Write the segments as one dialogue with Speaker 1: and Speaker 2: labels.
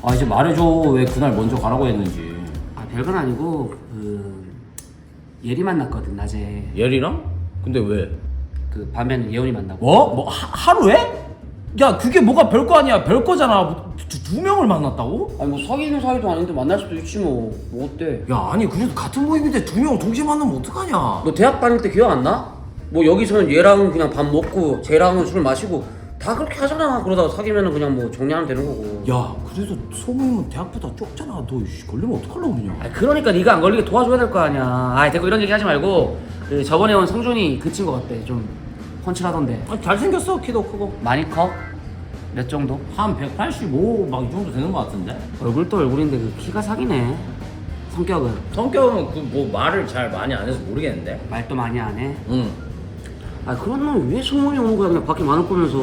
Speaker 1: 아 이제 말해줘. 왜 그날 먼저 가라고 했는지.
Speaker 2: 아 별건 아니고 예리 만났거든 낮에.
Speaker 1: 예리랑? 근데 왜?
Speaker 2: 그 밤에는 예원이 만나고.
Speaker 1: 뭐 하루에? 야 그게 뭐가 별거 아니야. 별거잖아. 두 명을 만났다고?
Speaker 2: 아니 뭐 사귀는 사이도 아닌데 만날 수도 있지 뭐 어때?
Speaker 1: 야 아니 그래도 같은 모임인데 두 명 동시에 만나면 어떡하냐.
Speaker 2: 너 대학 다닐 때 기억 안 나? 뭐 여기서는 얘랑은 그냥 밥 먹고 쟤랑은 술 마시고 다 그렇게 하잖아. 그러다가 사귀면은 그냥 뭐 정리하면 되는 거고.
Speaker 1: 야 그래도 소모임은 대학보다 적잖아. 너 걸리면 어떡하려고 그러냐.
Speaker 2: 아 그러니까 네가 안 걸리게 도와줘야 될 거 아니야. 아 됐고 이런 얘기 하지 말고 그 저번에 온 성준이 그 친구 어때? 좀 펀치라던데.
Speaker 1: 아, 잘생겼어. 키도 크고.
Speaker 2: 많이 커? 몇 정도?
Speaker 1: 한 185 막 이 정도 되는 거 같은데?
Speaker 2: 얼굴도 얼굴인데 그 키가 사기네. 성격은?
Speaker 1: 성격은 그 뭐 말을 잘 많이 안 해서 모르겠는데?
Speaker 2: 말도 많이 안 해?
Speaker 1: 응.
Speaker 2: 아 그런 놈 왜 소문이 오는 거야 그냥 밖에 많을 거면서.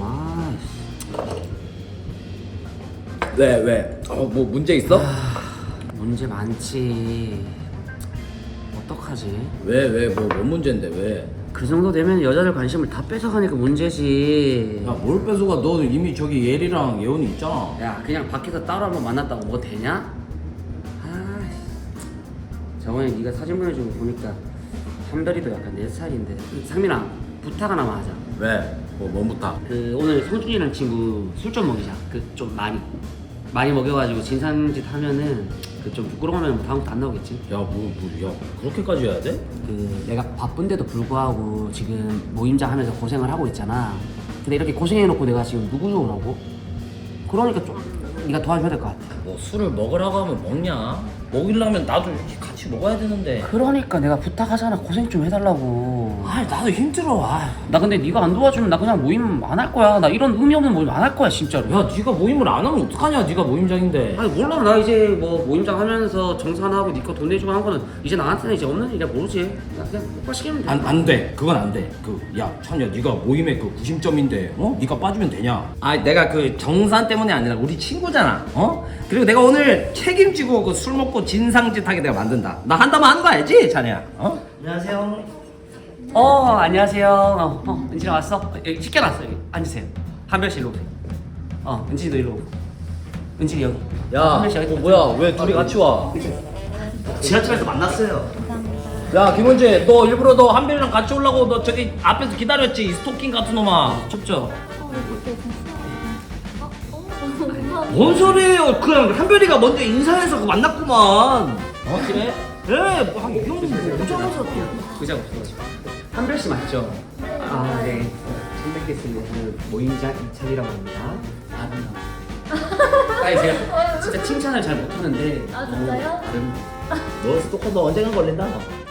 Speaker 1: 왜? 뭐 문제 있어?
Speaker 2: 문제 많지. 어떡하지?
Speaker 1: 뭔 문제인데 왜?
Speaker 2: 그 정도 되면 여자들 관심을 다 뺏어가니까 문제지.
Speaker 1: 야 뭘 뺏어가. 너 이미 저기 예리랑 예원이 있잖아.
Speaker 2: 야 그냥 밖에서 따로 한번 만났다고 뭐 되냐? 저번에 네가 사진 보내준 거 보니까 한별이도 약간 내 스타일인데. 상민아 부탁 하나만 하자.
Speaker 1: 왜? 뭔 부탁?
Speaker 2: 그 오늘 성준이랑 친구 술 좀 먹이자. 그 좀 많이 먹여가지고 진상짓 하면은 그 좀 부끄러우면 뭐 다음부터 안 나오겠지.
Speaker 1: 야 그렇게까지 해야 돼?
Speaker 2: 그 내가 바쁜데도 불구하고 지금 모임장 하면서 고생을 하고 있잖아. 근데 이렇게 고생해놓고 내가 지금 누구 좋으라고? 그러니까 좀 네가 도와줘야 될 것 같아.
Speaker 1: 뭐 술을 먹으라고 하면 먹냐? 먹이려면 나도 이렇게 같이 먹어야 되는데.
Speaker 2: 그러니까 내가 부탁하잖아. 고생 좀 해달라고.
Speaker 1: 아 나도 힘들어.
Speaker 2: 나 근데 네가 안 도와주면 나 그냥 모임 안 할 거야. 나 이런 의미 없는 모임 안 할 거야 진짜로.
Speaker 1: 야 네가 모임을 안 하면 어떡하냐. 네가 모임장인데.
Speaker 2: 아니 몰라. 나 이제 뭐 모임장 하면서 정산하고 네 거 돈 내주고 한 거는 이제 나한테는 이제 없는 일이야. 모르지. 나 그냥 오빠 시키면 돼.
Speaker 1: 안 돼. 그건 안 돼. 야 찬이야 네가 모임의 그 구심점인데 네가 빠지면 되냐? 아 내가 그 정산 때문에 아니라 우리 친구잖아. 그리고 내가 오늘 책임지고 그 술 먹고 진상짓하게 내가 만든다. 나 한다면 하는 거 알지 찬이야?
Speaker 2: 안녕하세요. 안녕하세요. 은진아 왔어? 여기 시켜놨어. 여기 앉으세요. 한별씨 일로 오세요. 은진이도 일로 오고. 은진이 여기. 한별씨 여기.
Speaker 1: 뭐야 왜 둘이 같이 와?
Speaker 2: 지하철에서 만났어요.
Speaker 1: 야 김원재 너 일부러 너 한별이랑 같이 오려고 너 저기 앞에서 기다렸지? 이 스토킹 같은 놈아. 춥죠? 뭔 소리예요? 그냥 한별이가 먼저 인사해서 그 만났구만. 그래? 네, 뭐이 형님 오자마자 또.
Speaker 2: 의자 없어가지고. 한별씨 맞죠? 네. 처음 뵙겠습니다. 저는 모임장 이찬이라고 합니다. 아름다워. 아니 제가 진짜 칭찬을 잘 못하는데.
Speaker 3: 아, 진짜요?
Speaker 1: 너 스토커 너 언젠간 걸린다.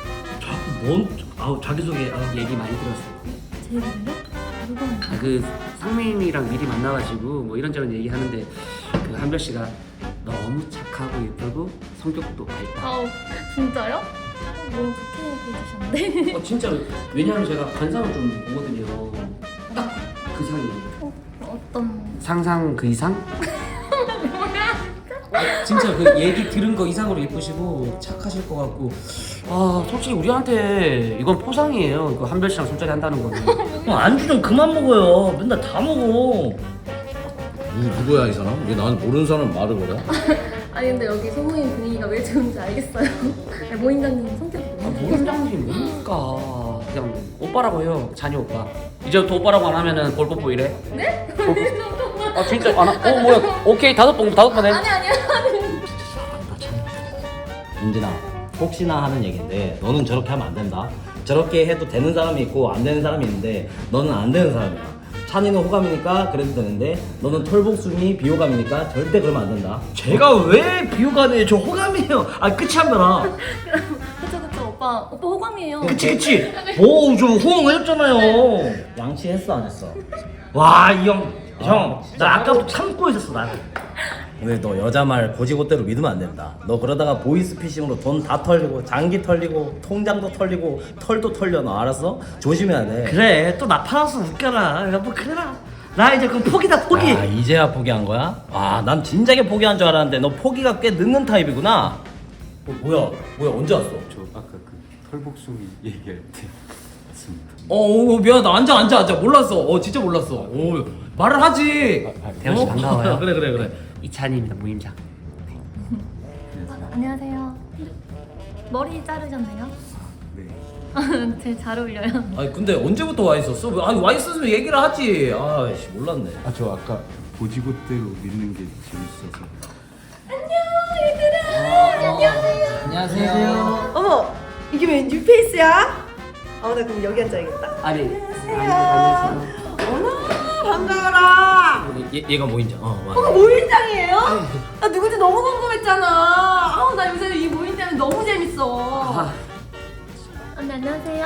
Speaker 2: 자기소개 얘기 많이 들었어요.
Speaker 3: 제 이름이요? 누가
Speaker 2: 그 상민이랑 미리 만나가지고 뭐 이런저런 얘기하는데 그 한별 씨가 너무 착하고 예쁘고 성격도 밝다.
Speaker 3: 아우, 진짜요? 너무 좋게 해주셨는데.
Speaker 2: 진짜로. 왜냐하면 제가 관상을 좀 보거든요. 딱 그 상이에요.
Speaker 3: 어떤.
Speaker 2: 상상 그 이상? 진짜 그 얘기 들은 거 이상으로 예쁘시고 착하실 것 같고. 솔직히 우리한테 이건 포상이에요. 그 한별 씨랑 술자리 한다는 거는.
Speaker 1: 안주 좀 그만 먹어요. 맨날 다 먹어. 누구야 이 사람? 왜 나한테 모르는 사람 말을 걸어?
Speaker 3: 아니, 근데 여기 소모임 분위기가 왜 좋은지 알겠어요. 모임장님 성격이 너무
Speaker 2: 모임장님 뭡니까? 그냥 오빠라고 해요. 잔이 오빠. 이제부터 오빠라고 안 하면은 볼뽀뽀 이래.
Speaker 3: 네?
Speaker 2: 진짜 안 하? 뭐야? 오케이 다섯 번 해.
Speaker 3: 아니요.
Speaker 4: 은진아, 혹시나 하는 얘긴데 너는 저렇게 하면 안 된다. 저렇게 해도 되는 사람이 있고 안 되는 사람이 있는데 너는 안 되는 사람이야. 찬이는 호감이니까 그래도 되는데 너는 털복숭이 비호감이니까 절대 그러면 안 된다.
Speaker 1: 제가 왜 비호감이에요? 저 호감이에요. 끝이 한 거라.
Speaker 3: 그쵸. 오빠 호감이에요.
Speaker 1: 그치. 좀 호응했잖아요.
Speaker 4: 양치했어 안 했어?
Speaker 1: 와 이 형, 나 아까부터 참고 있었어 나.
Speaker 4: 근데 너 여자 말 고지고대로 믿으면 안 된다. 너 그러다가 보이스피싱으로 돈 다 털리고 장기 털리고 통장도 털리고 털도 털려. 너 알았어? 조심해야 돼.
Speaker 1: 그래 또 나 팔아서 웃겨라. 뭐 그래라. 나 이제 그럼 포기다 포기.
Speaker 4: 이제야 포기한 거야? 난 진작에 포기한 줄 알았는데 너 포기가 꽤 늦는 타입이구나. 뭐야 언제 왔어?
Speaker 2: 저 아까 그 털복숭이 얘기할 때 맞습니다.
Speaker 1: 미안하다. 앉아. 몰랐어. 진짜 몰랐어. 말을 하지.
Speaker 2: 대훈 씨 반가워요.
Speaker 1: 그래 그래 그래.
Speaker 2: 이찬희입니다, 모임장.
Speaker 3: 안녕하세요. 머리 자르셨나요?
Speaker 1: 네.
Speaker 3: 제일 잘 어울려요.
Speaker 1: 아니 근데 언제부터 와 있었어? 아니 와 있었으면 얘기를 하지. 아씨 몰랐네.
Speaker 5: 아 저 아까 보지고대로 믿는 게 재밌어서.
Speaker 1: 안녕하세요.
Speaker 6: 어머, 이게 왜 뉴페이스야? 나 그럼 여기 앉아야겠다.
Speaker 2: 아니,
Speaker 6: 안녕하세요. 어머, 반가워라.
Speaker 1: 얘가 모임장. 맞아.
Speaker 6: 모임장이에요? 나 누군지 너무 궁금했잖아. 나 요새 이 모임 때문에 너무 재밌어.
Speaker 3: 언니 안녕하세요.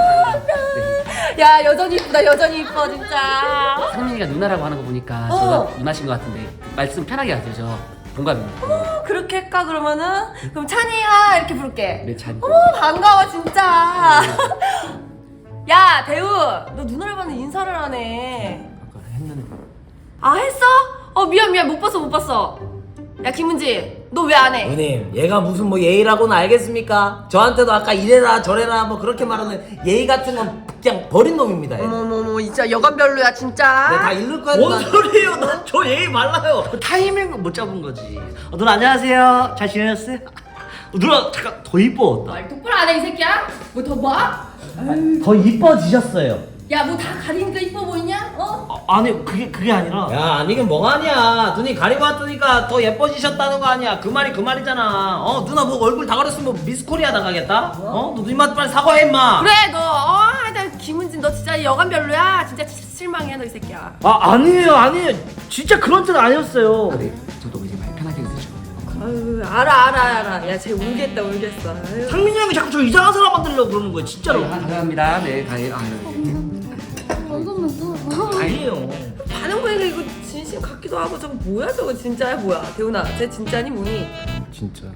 Speaker 6: 야, 여전히 이쁘다, 여전히 이뻐, 진짜.
Speaker 2: 상민이가 누나라고 하는 거 보니까
Speaker 6: 어.
Speaker 2: 제가 누나신 것 같은데 말씀 편하게 하세요. 저 동갑입니다.
Speaker 6: 그렇게 할까, 그러면은? 그럼 찬이야, 이렇게 부를게.
Speaker 2: 네, 찬이.
Speaker 6: 어머, 반가워, 진짜. 야, 대우, 너 누나를 봤는데 인사를 하네.
Speaker 2: 아까 했는데.
Speaker 6: 아, 했어? 미안, 못 봤어. 야, 김은지, 너 왜 안 해?
Speaker 4: 누님 얘가 무슨 뭐 예의라고는 알겠습니까? 저한테도 아까 이래라 저래라 뭐 그렇게 말하는 예의 같은 건 그냥 버린 놈입니다. 얘.
Speaker 6: 어머머머, 진짜 여간별로야, 진짜.
Speaker 4: 내가 다 잃을 거야.
Speaker 1: 뭔
Speaker 4: 누나.
Speaker 1: 소리예요? 난 저 예의 말라요.
Speaker 7: 타이밍을 못 잡은 거지. 누나 안녕하세요. 잘 지내셨어요? 누나 잠깐 더 이뻐졌다.
Speaker 6: 말 똑바로 안 해, 이 새끼야? 뭐 더 봐?
Speaker 7: 더 이뻐지셨어요.
Speaker 6: 야, 뭐 다 가리니까 이뻐 보이냐?
Speaker 7: 아니 그게 아니라
Speaker 4: 야 아니긴 뭐가 아니야. 눈이 가리고 왔으니까 더 예뻐지셨다는 거 아니야. 그 말이 그 말이잖아. 누나 뭐 얼굴 다 가렸으면 뭐 미스 코리아 나가겠다? 너 누님한테 빨리 사과해 임마.
Speaker 6: 그래, 너, 하여튼 김은진, 너 진짜 여간별로야. 진짜 실망해, 너 이 새끼야.
Speaker 7: 아니에요. 진짜 그런 뜻 아니었어요.
Speaker 2: 아, 네. 저도 이제 말 편하게 해주시고.
Speaker 6: 아유, 알아. 야, 쟤 울겠다. 아유.
Speaker 7: 상민이 형이 자꾸 저 이상한 사람 만들려고 그러는 거예요. 진짜로.
Speaker 2: 감사합니다. 네, 가요.
Speaker 3: 이것만 또.
Speaker 7: 아니에요.
Speaker 6: 반응 보니까 이거 진심 같기도 하고 저거 뭐야 저거 진짜야 뭐야. 대훈아, 쟤 진짜니 뭐니?
Speaker 5: 진짜.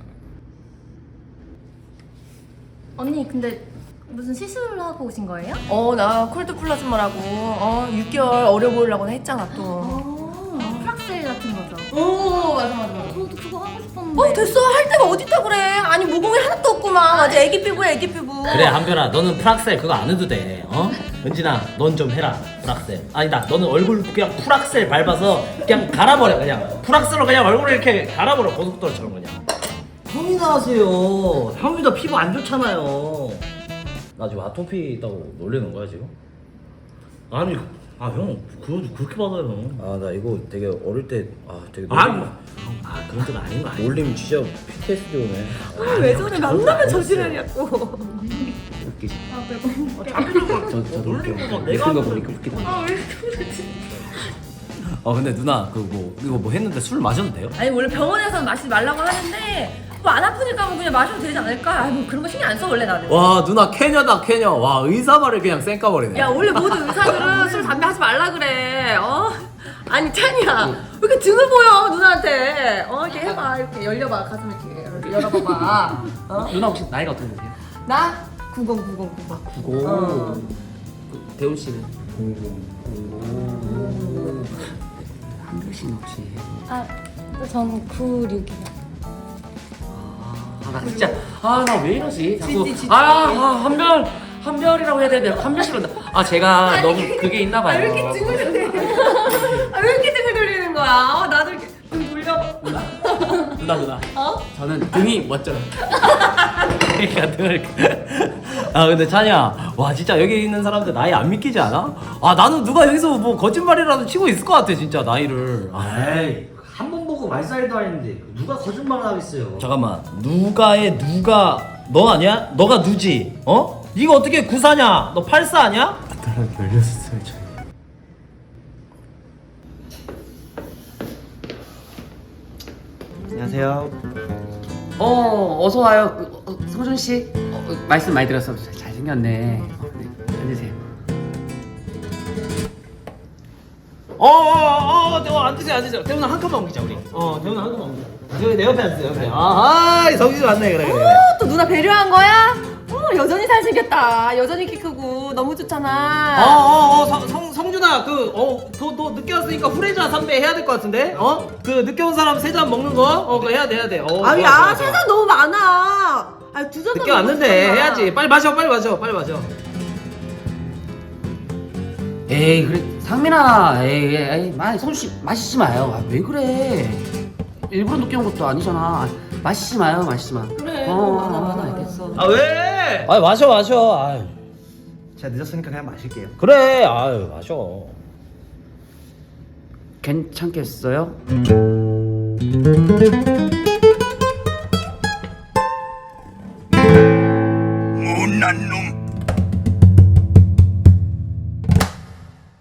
Speaker 3: 언니 근데 무슨 시술을 하고 오신 거예요?
Speaker 6: 나 콜드 플라즈마라고 6개월 어려 보이려고 했잖아 또.
Speaker 3: 프락셀 같은 거죠?
Speaker 6: 맞아.
Speaker 3: 저도 그거 하고 싶었는데.
Speaker 6: 됐어. 할 데가 어딨다 그래. 아니 모공이 하나도 없구만. 아주 애기 피부야, 애기 피부.
Speaker 4: 그래 한별아 너는 프락셀 그거 안 해도 돼. 은진아 넌 좀 해라 프락셀. 아니다 너는 얼굴 그냥 프락셀 밟아서 그냥 갈아버려. 그냥 프락셀로 그냥 얼굴을 이렇게 갈아버려 고속도로처럼 그냥. 형이나 하세요. 형이도 피부 안 좋잖아요. 나 지금 아토피 있다고 놀리는 거야 지금? 아니 형 그거 그렇게 받아요. 나 이거 되게 어릴 때 되게
Speaker 7: 그런 뜻 아닌 거 아니에요?
Speaker 4: 놀림 진짜 PTSD 오네.
Speaker 6: 왜 저래? 만나면 저지랄이야고.
Speaker 2: 웃기지.
Speaker 7: 저도
Speaker 2: 웃긴 거 보니까 웃기다.
Speaker 1: 근데 누나 이거 뭐 했는데 술 마셔도 돼요?
Speaker 6: 아니 원래 병원에서는 마시지 말라고 하는데 뭐 안 아프니까 뭐 그냥 마셔도 되지 않을까? 뭐 그런 거 신경 안 써 원래 나는.
Speaker 1: 와 누나 캐녀다 캐녀. 와 의사 말을 그냥 쌩까버리네.
Speaker 6: 야 원래 모든 의사들은 술 담배 하지 말라 그래. 아니 찬이야 왜 이렇게 등을 보여 누나한테? 이렇게 해봐. 이렇게 열려봐. 가슴 이렇게 열어봐봐.
Speaker 2: 누나 혹시 나이가 어떻게 되세요?
Speaker 6: 나 90.
Speaker 2: 90. 그, 대훈 씨는? 00. 한별 씨는 혹시?
Speaker 3: 전 96이요.
Speaker 2: 나 진짜 나 왜 이러지? 자꾸 한별이라고 해야 되는데 한별 씨로 제가 너무 그게 있나 봐요.
Speaker 6: 왜 이렇게 등을 돌리는 거야? 왜 이렇게 등을 돌리는 거야? 나도 이렇게 등 돌려.
Speaker 2: 누나. 저는 등이 멋져요.
Speaker 1: 그러니까 등을 근데 찬이야 와 진짜 여기 있는 사람들 나이 안 믿기지 않아? 나는 누가 여기서 뭐 거짓말이라도 치고 있을 것 같아 진짜 나이를.
Speaker 7: 에이 한 번 보고 말살도 아닌데 누가 거짓말을 하겠어요.
Speaker 1: 잠깐만 누가의 누가 너 아니야? 너가 누지? 네가 어떻게 94냐? 너 84 아니야?
Speaker 5: 나랑 16살 차이. 안녕하세요.
Speaker 2: 어서 와요. 성준 씨. 말씀 많이 들었어. 잘 생겼네. 네, 앉으세요.
Speaker 1: 앉으세요. 대훈아 한 칸만 옮기자 우리. 대훈아 한 칸만 옮기자. 여기 내 옆에 앉으세요. 옆에. 성진이 왔네. 그래.
Speaker 6: 또 누나 배려한 거야? 여전히 잘생겼다. 여전히 키 크고 너무 좋잖아.
Speaker 1: 성준아 너 늦게 왔으니까 후레자 선배 해야 될 것 같은데? 그 늦게 온 사람 세 잔 먹는 거 그거 해야 돼.
Speaker 6: 야, 세상 너무 많아. 두 잔.
Speaker 1: 늦게 왔는데 해야지. 빨리 마셔.
Speaker 2: 에이 그래 상민아 에이 마시지 마요. 아, 왜 그래? 일부러 늦게 온 것도 아니잖아. 마시지 마요.
Speaker 6: 그래.
Speaker 2: 많아 알겠어.
Speaker 7: 아 왜?
Speaker 1: 아 마셔. 아유.
Speaker 7: 제가 늦었으니까 그냥 마실게요.
Speaker 1: 그래. 아유 마셔.
Speaker 2: 괜찮겠어요?
Speaker 8: 못난 놈